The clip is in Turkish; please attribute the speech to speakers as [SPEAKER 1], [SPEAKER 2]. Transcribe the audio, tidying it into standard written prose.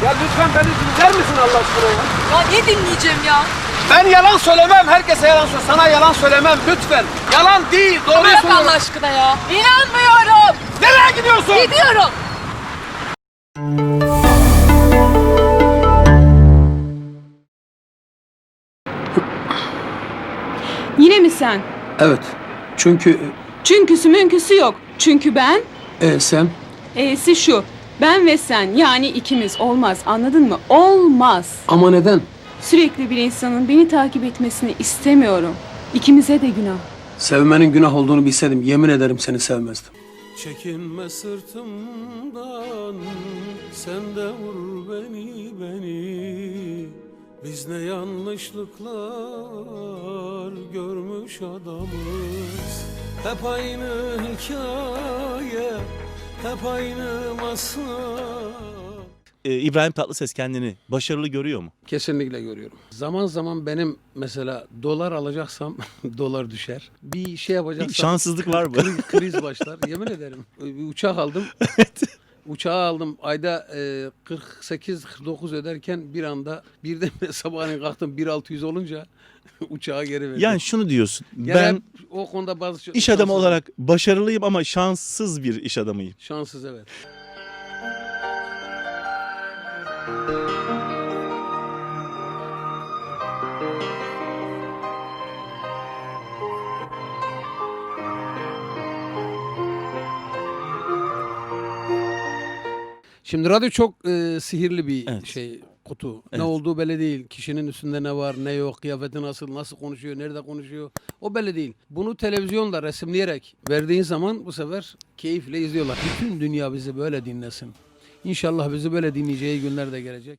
[SPEAKER 1] Ya lütfen beni dinler misin Allah aşkına ya?
[SPEAKER 2] Ya ne dinleyeceğim ya?
[SPEAKER 1] Ben yalan söylemem, herkese yalan söyle. Sana yalan söylemem lütfen. Yalan değil, doğruyu
[SPEAKER 2] Bırak
[SPEAKER 1] söylüyorum.
[SPEAKER 2] Allah aşkına ya. İnanmıyorum.
[SPEAKER 1] Nereye gidiyorsun?
[SPEAKER 2] Gidiyorum.
[SPEAKER 3] Yine mi sen?
[SPEAKER 1] Evet. Çünkü
[SPEAKER 3] Çünküsü münküsü yok. Çünkü ben,
[SPEAKER 1] sen
[SPEAKER 3] e'si şu. Ben ve sen, yani ikimiz, olmaz, anladın mı? Olmaz.
[SPEAKER 1] ama neden?
[SPEAKER 3] Sürekli bir insanın beni takip etmesini istemiyorum. İkimize de günah.
[SPEAKER 1] Sevmenin günah olduğunu bilseydim yemin ederim seni sevmezdim.
[SPEAKER 4] Çekinme sırtımdan, sen de vur beni. Biz ne yanlışlıklar görmüş adamız. Hep aynı hikaye, hep aynı masal.
[SPEAKER 5] İbrahim Tatlıses kendini başarılı görüyor mu?
[SPEAKER 1] Kesinlikle görüyorum. Zaman zaman benim mesela dolar alacaksam dolar düşer. Bir şey yapacaksam
[SPEAKER 5] Bir şanssızlık var mı?
[SPEAKER 1] kriz başlar. Yemin ederim. Bir uçak aldım. Uçağı aldım. Ayda 48-49 öderken bir anda birden sabahleyin kalktım 1.600 olunca uçağa geri verdim.
[SPEAKER 5] Yani şunu diyorsun.
[SPEAKER 1] Yani
[SPEAKER 5] Ben
[SPEAKER 1] hep o konuda bazı
[SPEAKER 5] iş adamı
[SPEAKER 1] şanssız-
[SPEAKER 5] olarak başarılıyım ama şanssız bir iş adamıyım.
[SPEAKER 1] şanssız evet. Şimdi radyo çok sihirli bir
[SPEAKER 5] Evet.
[SPEAKER 1] kutu. Ne
[SPEAKER 5] Evet.
[SPEAKER 1] olduğu belli değil. Kişinin üstünde ne var, ne yok, kıyafeti nasıl konuşuyor, nerede konuşuyor. O belli değil. Bunu televizyonda resimleyerek verdiğin zaman bu sefer keyifle izliyorlar. Bütün dünya bizi böyle dinlesin. İnşallah bizi böyle dinleyeceği günler de gelecek.